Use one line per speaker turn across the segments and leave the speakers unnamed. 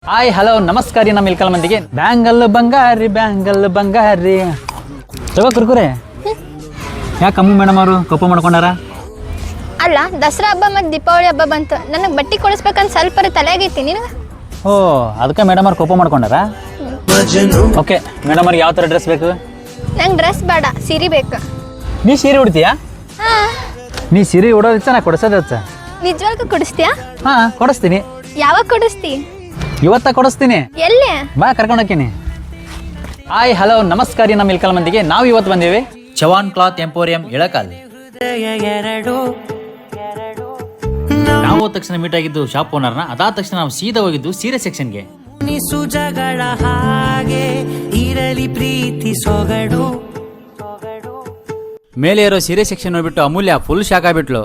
Hi hello ನಮಸ್ಕಾರ ರೀ. ನಮ್ಮ ಇಲ್ಕಲ್ ಮಂದಿಗೆ ಬ್ಯಾಂಗಲ್ ಬಂಗಾರಿ ತಗೋ ಕುರ್ಕುರೆ. ಯಾಕೆ ಅಮ್ಮ ಮೇಡಮ್ ಅವರು ಕೋಪ ಮಾಡ್ಕೊಂಡಾರ?
ಅಲ್ಲ, ದಸರಾ ಹಬ್ಬ ಮತ್ತು ದೀಪಾವಳಿ ಹಬ್ಬ ಬಂತು, ನನಗೆ ಬಟ್ಟೆ ಕೊಡಿಸ್ಬೇಕಂತ ಸ್ವಲ್ಪ ತಲೆಯಾಗೈತಿ ನಿನಗೆ.
ಓ, ಅದಕ್ಕೆ ಮೇಡಮ್ ಅವ್ರು ಕೋಪ ಮಾಡ್ಕೊಂಡಾರ. ಓಕೆ, ಮೇಡಮ್ ಅವ್ರಿಗೆ ಯಾವ ಥರ ಡ್ರೆಸ್ ಬೇಕು?
ನಂಗೆ ಡ್ರೆಸ್ ಬೇಡ, ಸೀರೆ ಬೇಕು.
ನೀ ಸೀರೆ ಉಡ್ತೀಯಾ?
ಹಾಂ.
ನೀ ಸೀರೆ ಉಡೋದಿಚ್ಚ ನಾ ಕೊಡಿಸೋದಿಚ್ಚ?
ನಿಜವಾಗ್ಲೂ ಕೊಡಿಸ್ತೀಯಾ?
ಹಾಂ, ಕೊಡಿಸ್ತೀನಿ.
ಯಾವಾಗ ಕೊಡಿಸ್ತಿ?
ಇವತ್ತ ಕೊಡಿಸ್ತೀನಿ.
ಎಲ್ಲಿ?
ಬಾ, ಕರ್ಕೊಂಡು ಹೋಗ್ತೀನಿ. ಹಾಯ್ ಹಲೋ ನಮಸ್ಕಾರ ರೀ. ನಮ್ಮ ಇಲ್ಕಲ್ ಮಂದಿಗೆ ನಾವು ಇವತ್ತು ಬಂದೇವಿ ಚವಾನ್ ಕ್ಲಾತ್ ಎಂಪೋರಿಯಂ ಇಳಕಲ್. ನಾವು ತಕ್ಷಣ ಮೀಟ್ ಆಗಿದ್ದು ಶಾಪ್ ಓನರ್ನ. ಅದಾದ ತಕ್ಷಣ ನಾವು ಸೀದಾ ಹೋಗಿದ್ದು ಸೀರೆ ಸೆಕ್ಷನ್ಗೆ.
ಜಗಳ ಹಾಗೆ ಇರಲಿ ಪ್ರೀತಿ ಸೊಗಡು.
ಮೇಲೆ ಇರೋ ಸೀರೆ ಸೆಕ್ಷನ್ ನೋಡ್ಬಿಟ್ಟು ಅಮೂಲ್ಯ ಫುಲ್ ಶಾಕ್ ಆಗ್ಬಿಟ್ಲು.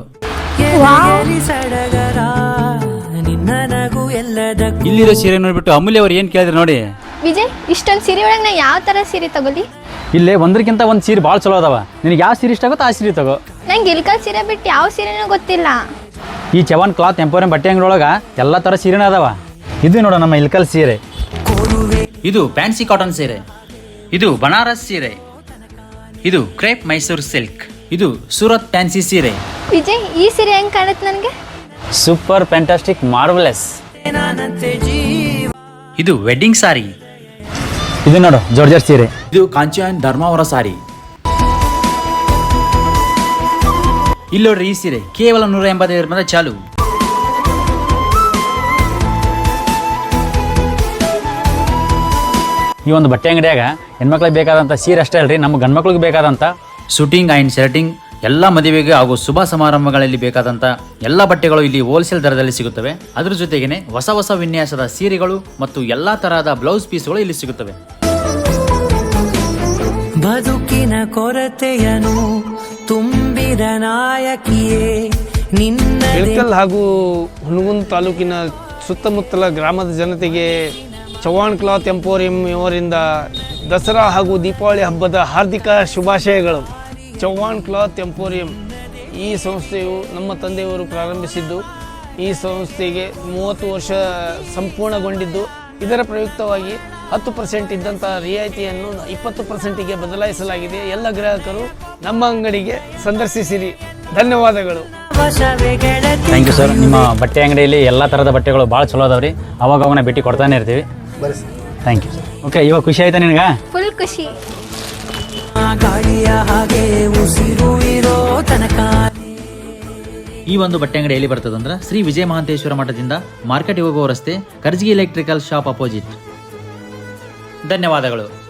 ಸಡಗರ ನಿನ್ನ ನಗು ಎಲ್ಲದಕ್ಕೂ.
ಇಲ್ಲಿರೋ ಸೀರೆ ನೋಡ್ಬಿಟ್ಟು ಅಮೂಲ್ಯ ಅವ್ರು ಏನ್ ಕೇಳಿದ್ರು ನೋಡಿ.
ವಿಜಯ್, ಇಷ್ಟೊಂದು ಸೀರೆ ಒಳಗೆ ನಾ ಯಾವ ಥರ ಸೀರೆ ತಗೊಲಿ?
ಇಲ್ಲೇ ಒಂದಕ್ಕಿಂತ ಒಂದು ಸೀರೆ ಭಾಳ ಚಲೋ ಅದಾವ. ನಿನಗೆ ಯಾವ ಸೀರೆ ಇಷ್ಟ ಆಗುತ್ತೋ ಆ ಸೀರೆ ತಗೋ.
ನಂಗೆ ಇಲ್ಕಲ್ ಸೀರೆ ಬಿಟ್ಟು ಯಾವ ಸೀರೆನೂ ಗೊತ್ತಿಲ್ಲ.
ಈ ಚವಾನ್ ಕ್ಲಾತ್ ಎಂಪೋರಿಯಂ ಬಟ್ಟೆ ಅಂಗಡಿಯೊಳಗೆ ಎಲ್ಲ ಥರ ಸೀರೆನೇ ಅದಾವ. ಇದು ನೋಡ ನಮ್ಮ ಇಲ್ಕಲ್ ಸೀರೆ. ಇದು ಫ್ಯಾನ್ಸಿ ಕಾಟನ್ ಸೀರೆ. ಇದು ಬನಾರಸ್ ಸೀರೆ. ಇದು ಕ್ರೇಪ್ ಮೈಸೂರು ಸಿಲ್ಕ್. ಇದು ಸೂರತ್ ಫ್ಯಾನ್ಸಿ ಸೀರೆ.
ವಿಜಯ್, ಈ ಸೀರೆ ಹೆಂಗೆ ಕಾಣುತ್ತೆ ನನಗೆ?
Super fantastic marvellous. ಇದು ವೆಡ್ಡಿಂಗ್ ಸಾರಿ. ಇದು ನೋಡು ಜಾರ್ಜೆಟ್ ಸೀರೆ. ಇದು ಕಾಂಚನ್ ಧರ್ಮಾವರ ಸಾರಿ. ಇಲ್ಲಿ ನೋಡ್ರಿ ಈ ಸೀರೆ ಕೇವಲ 185 ರೂಪಾಯಿ ಚಾಲು. ಈ ಒಂದು ಬಟ್ಟೆ ಅಂಗಡಿಯಾಗ ಹೆಣ್ಮಕ್ಳಿಗೆ ಬೇಕಾದಂಥ ಸೀರೆ ಅಷ್ಟೇ ಅಲ್ರಿ, ನಮ್ಮ ಗಂಡ್ಮಕ್ಳಿಗೆ ಬೇಕಾದಂಥ ಶೂಟಿಂಗ್ ಆ್ಯಂಡ್ ಶರ್ಟಿಂಗ್ ಎಲ್ಲ ಮದುವೆಗೆ ಹಾಗೂ ಶುಭ ಸಮಾರಂಭಗಳಲ್ಲಿ ಬೇಕಾದಂಥ ಎಲ್ಲ ಬಟ್ಟೆಗಳು ಇಲ್ಲಿ ಹೋಲ್ಸೇಲ್ ದರದಲ್ಲಿ ಸಿಗುತ್ತವೆ. ಅದ್ರ ಜೊತೆಗೇನೆ ಹೊಸ ಹೊಸ ವಿನ್ಯಾಸದ ಸೀರೆಗಳು ಮತ್ತು ಎಲ್ಲಾ ತರಹದ ಬ್ಲೌಸ್ ಪೀಸ್ಗಳು ಇಲ್ಲಿ ಸಿಗುತ್ತವೆ.
ಬದುಕಿನ ಕೊರತೆಯನು ತುಂಬಿದ ನಾಯಕಿಯೇ ನಿನ್ನ.
ಇಳಕಲ್ ಹಾಗೂ ಹುನಗುಂದ ತಾಲೂಕಿನ ಸುತ್ತಮುತ್ತಲ ಗ್ರಾಮದ ಜನತೆಗೆ ಚವಾನ್ ಕ್ಲಾತ್ ಎಂಪೋರಿಯಂ ಇವರಿಂದ ದಸರಾ ಹಾಗೂ ದೀಪಾವಳಿ ಹಬ್ಬದ ಹಾರ್ದಿಕ ಶುಭಾಶಯಗಳು. ಚವಾನ್ ಕ್ಲಾತ್ ಎಂಪೋರಿಯಂ ಈ ಸಂಸ್ಥೆಯು ನಮ್ಮ ತಂದೆಯವರು ಪ್ರಾರಂಭಿಸಿದ್ದು. ಈ ಸಂಸ್ಥೆಗೆ 30 ವರ್ಷ ಸಂಪೂರ್ಣಗೊಂಡಿದ್ದು. ಇದರ ಪ್ರಯುಕ್ತವಾಗಿ 10% ಇದ್ದಂಥ ರಿಯಾಯಿತಿಯನ್ನು 20%ಗೆ ಬದಲಾಯಿಸಲಾಗಿದೆ. ಎಲ್ಲ ಗ್ರಾಹಕರು ನಮ್ಮ ಅಂಗಡಿಗೆ ಸಂದರ್ಶಿಸಿರಿ. ಧನ್ಯವಾದಗಳು.
Thank you sir. ನಿಮ್ಮ ಬಟ್ಟೆ ಅಂಗಡಿಯಲ್ಲಿ ಎಲ್ಲ ಥರದ ಬಟ್ಟೆಗಳು ಭಾಳ ಚಲೋ ಅದಾವ್ರಿ. ಅವಾಗ ನಾವು ಭೇಟಿ ಕೊಡ್ತಾನೆ ಇರ್ತೀವಿ. Thank you sir. ಓಕೆ, ಇವಾಗ ಖುಷಿ ಆಯ್ತಾ ನಿನಗೆ?
ಫುಲ್ ಖುಷಿ.
ಗಾಳಿಯ ಹಾಗೆ ಉಸಿರು ಇರೋ ತನಕ.
ಈ ಒಂದು ಬಟ್ಟೆ ಅಂಗಡಿ ಎಲ್ಲಿ ಬರ್ತದಂದ್ರೆ ಶ್ರೀ ವಿಜಯ ಮಹಾಂತೇಶ್ವರ ಮಠದಿಂದ ಮಾರ್ಕೆಟ್ ಹೋಗುವ ರಸ್ತೆ, ಕರ್ಜಗಿ ಎಲೆಕ್ಟ್ರಿಕಲ್ ಶಾಪ್ ಅಪೋಸಿಟ್. ಧನ್ಯವಾದಗಳು.